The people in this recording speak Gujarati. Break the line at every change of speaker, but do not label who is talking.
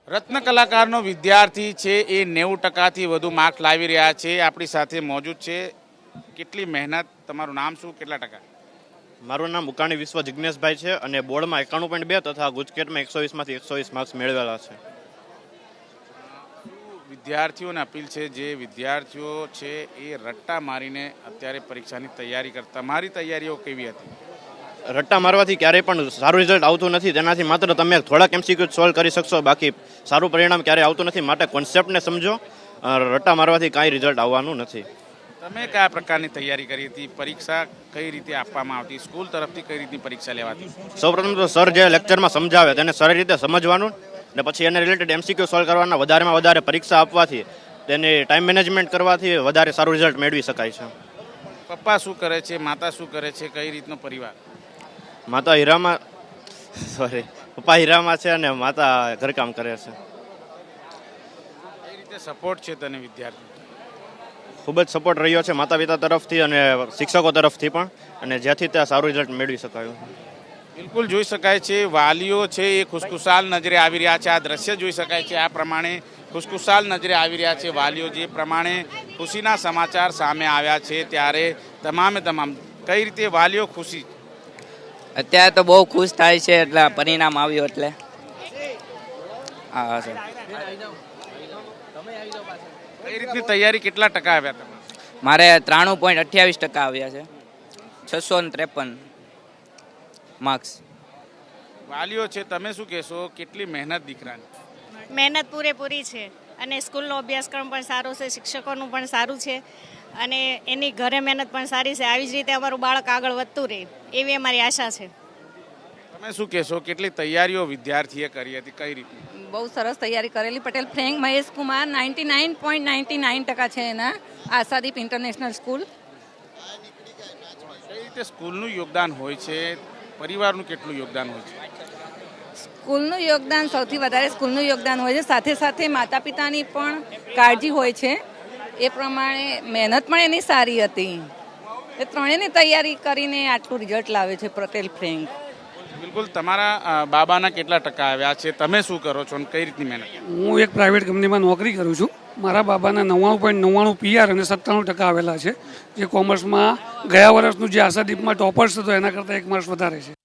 રત્ન કલાકારનો વિદ્યાર્થી છે એ 90%થી વધુ માર્ક લાવી રહ્યા છે. આપણી સાથે મોજૂદ છે. કેટલી મહેનત, તમારું નામ શું, કેટલા ટકા?
મારું નામ ઉકાણી વિશ્વ જિજ્ઞેશભાઈ છે અને બોર્ડમાં 91.2 તથા ગુજકેટમાં 120માંથી 120 માર્ક્સ મેળવેલા છે.
વિદ્યાર્થીઓને અપીલ છે, જે વિદ્યાર્થીઓ છે એ રટ્ટા મારીને અત્યારે પરીક્ષાની તૈયારી કરતા, મારી તૈયારીઓ કેવી હતી?
રટ્ટા મારવાથી ક્યારેય પણ સારું રિઝલ્ટ આવતું નથી. તેનાથી માત્ર તમે થોડાક MCQ સોલ્વ કરી શકશો, બાકી સારું પરિણામ ક્યારેય આવતું નથી. માટે કોન્સેપ્ટને સમજો. રટ્ટા મારવાથી કાંઈ રિઝલ્ટ આવવાનું નથી.
તમે કયા પ્રકારની તૈયારી કરી હતી? પરીક્ષા કઈ રીતે આપવામાં આવતી? સ્કૂલ તરફથી કઈ રીતની પરીક્ષા લેવાતી?
સૌપ્રથમ તો સર જે લેક્ચરમાં સમજાવે તેને સારી રીતે સમજવાનું ને પછી એને રિલેટેડ MCQ સોલ્વ કરવાના. વધારેમાં વધારે પરીક્ષા આપવાથી તેની ટાઈમ મેનેજમેન્ટ કરવાથી વધારે સારું રિઝલ્ટ મેળવી શકાય છે.
પપ્પા શું કરે છે, માતા શું કરે છે, કઈ રીતનો પરિવાર?
માતા હીરામાં પપ્પા હીરામાં છે અને માતા ઘરકામ કરે છે.
કઈ રીતે સપોર્ટ છે તને વિદ્યાર્થી?
ખૂબ જ સપોર્ટ રહ્યો છે માતા પિતા તરફથી અને શિક્ષકો તરફથી પણ, અને જેથી ત્યાં સારું રિઝલ્ટ મેળવી શકાયું.
બિલકુલ જોઈ શકાય છે વાલીઓ છે એ ખુશખુશાલ નજરે આવી રહ્યા છે. આ દ્રશ્ય જોઈ શકાય છે. આ પ્રમાણે ખુશખુશાલ નજરે આવી રહ્યા છે વાલીઓ. જે પ્રમાણે ખુશીના સમાચાર સામે આવ્યા છે ત્યારે તમામે તમામ કઈ રીતે વાલીઓ ખુશી?
અત્યારે તો બહુ ખુશ થાય છે એટલે પરિણામ આવ્યું એટલે. હા સર.
કઈ રીતની તૈયારી, કેટલા ટકા આવ્યા તમે?
મારે 93.28% આવ્યા છે, 653 માર્ક્સ.
વાલીઓ છે, તમે શું કહેશો? કેટલી મહેનત દીકરાની?
મહેનત પૂરેપૂરી છે અને સ્કૂલનો અભ્યાસક્રમ પણ સારો છે, શિક્ષકોનું પણ સારું છે અને એની ઘરે મહેનત પણ સારી છે. આવી જ રીતે અમારું બાળક આગળ વધતું રહે એવી અમારી આશા છે.
તમે શું કહેશો? કેટલી તૈયારીઓ વિદ્યાર્થીએ કરી હતી, કઈ રીતની?
બહુ સરસ તૈયારી કરેલી. પટેલ ફ્રેન્ક મહેશ કુમાર 99.99% છે એના, આશાદીપ ઇન્ટરનેશનલ સ્કૂલ.
કઈ રીતે સ્કૂલનું યોગદાન હોય છે, પરિવારનું કેટલું યોગદાન હોય છે?
સ્કૂલનું યોગદાન સૌથી વધારે સ્કૂલનું યોગદાન હોય છે, સાથે સાથે માતા પિતાની પણ કાળજી હોય છે. એ પ્રમાણે મહેનત પણ એની સારી હતી. એ ત્રણેયની તૈયારી કરીને આટલું રિઝલ્ટ લાવે છે પટેલ ફ્રેન્ક.
બિલકુલ. તમારા બાબાના કેટલા ટકા આવ્યા છે? તમે શું કરો છો અને કઈ રીતની મહેનત?
હું એક પ્રાઇવેટ કંપનીમાં નોકરી કરું છું. મારા બાબાના 99.99 PR અને 97% આવેલા છે, જે કોમર્સમાં ગયા વર્ષનું જે આશાદીપમાં ટોપર્સ હતો એના કરતાં 1 માર્ક્સ વધારે છે.